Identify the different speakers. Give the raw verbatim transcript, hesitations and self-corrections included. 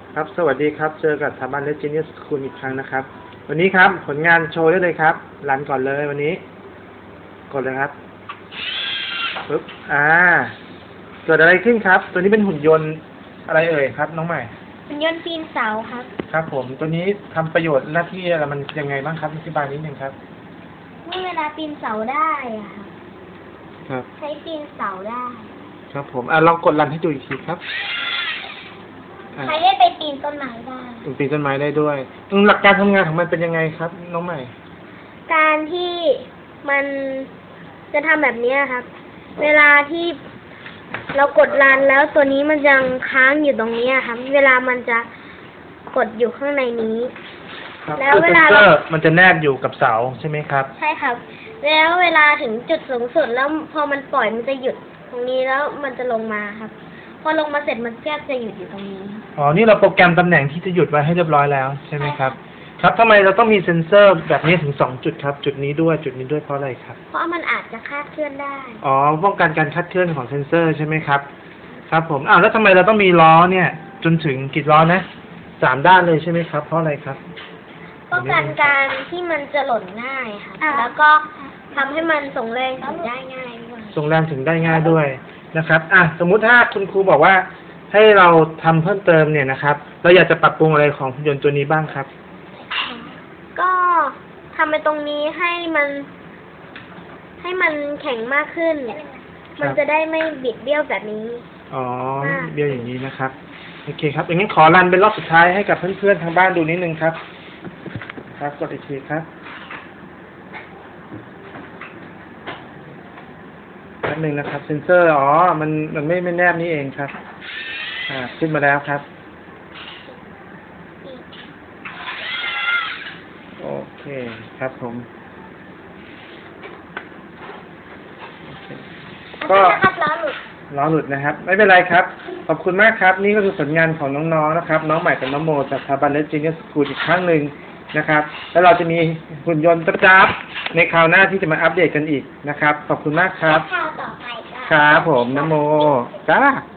Speaker 1: ครับสวัสดีครับเจอกับสถาบันเลจิเนียสคูลอีกครั้งนะครับวันนี้ครับผลงานโชว์ได้เลยครับรันก่อนเลยวันนี้กดเลยครับปึ๊บอ่าเกิดอะไรขึ้นครับตัวนี้เป็นหุ่นยนต์อะไรเอ่ยครับน้องใหม่
Speaker 2: หุ่นยนต์ปีนเสาครับ
Speaker 1: ครับผมตัวนี้ทำประโยชน์หน้าที่อะไรมันยังไงบ้างครับอธิบายนิดนึงครับ
Speaker 2: เมื่อเวลาปีนเสาได้อะครับ
Speaker 1: ครับ
Speaker 2: ใช้ปีนเสาได้
Speaker 1: ครับผมอ่าลองกดรันให้ดูอีกทีครับ
Speaker 2: ใช้ได้ไปปีนต้นไม้ได้
Speaker 1: ปีนต้นไม้ได้ด้วยหลักการทำงานของมันเป็นยังไงครับน้องใหม่
Speaker 2: การที่มันจะทำแบบนี้ครับเวลาที่เรากดรันแล้วตัวนี้มันยังค้างอยู่ตรงนี้ครับเวลามันจะกดอยู่ข้างในนี้
Speaker 1: แล้วเวลาเรามันจะแนบอยู่กับเสาใช่ไหมครับ
Speaker 2: ใช่ครับแล้วเวลาถึงจุดสูงสุดแล้วพอมันปล่อยมันจะหยุดตรงนี้แล้วมันจะลงมาครับพอลงมาเสร็จมันก็จะหยุดอยู่ตรงนี้
Speaker 1: อ๋อนี่เราโปรแกรมตำแหน่งที่จะหยุดไว้ให้เรียบร้อยแล้วใช่ไหมครับครับทำไมเราต้องมีเซ็นเซอร์แบบนี้ถึงสองจุดครับจุดนี้ด้วยจุดนี้ด้วยเพราะอะไรครับ
Speaker 2: เพราะมันอาจจะคลาดเคลื่อนได้
Speaker 1: อ๋อป้องกันการคลาดเคลื่อนของเซ็นเซอร์ใช่ไหมครับครับผมอ้าวแล้วทำไมเราต้องมีล้อเนี่ยจนถึงกี่ล้อนะสามด้านเลยใช่ไหมครับเพราะอะไรครับ
Speaker 2: ป้องกันการที่มันจะหล่นง่ายค่ะแล้วก็ทำให้มันส่งแรงถึงได้ง่ายด้วย
Speaker 1: ส่งแรงถึงได้ง่ายด้วยนะครับอ่ะสมมุติถ้าคุณครูบอกว่าให้เราทำเพิ่มเติมเนี่ยนะครับเราอยากจะปรับปรุงอะไรของหุ่นยนต์ตัวนี้บ้างครับ
Speaker 2: ก็ทำไปตรงนี้ให้มันให้มันแข็งมากขึ้นมันจะได้ไม่บิดเบี้ยวแบบนี้
Speaker 1: อ๋อเบี้ยวอย่างนี้นะครับโอเคครับอย่างนี้ขอรันเป็นรอบสุดท้ายให้กับเพื่อนๆทางบ้านดูนิดนึงครับครับกดอีกทีครับแป๊บนึงนะครับเซนเซอร์อ๋อมันมันไม่ไม่แนบนี่เองครับอ่าขึ้นมาแล้วครับโอเคครับผมก็
Speaker 2: ล้อหลุด
Speaker 1: ล้อหลุดนะครับไม่เป็นไรครับขอบคุณมากครับนี่ก็คือผลงานของน้องๆนะครับน้องใหม่กับน้องโมจากสถาบันเลจิเนียสคูลอีกครั้งหนึ่งนะครับแล้วเราจะมีหุ่นยนต์จับๆในคราวหน้าที่จะมาอัปเดตกันอีกนะครับขอบคุณมากครับ
Speaker 2: คราวต่อไป
Speaker 1: ครับผมน้องโมจ้า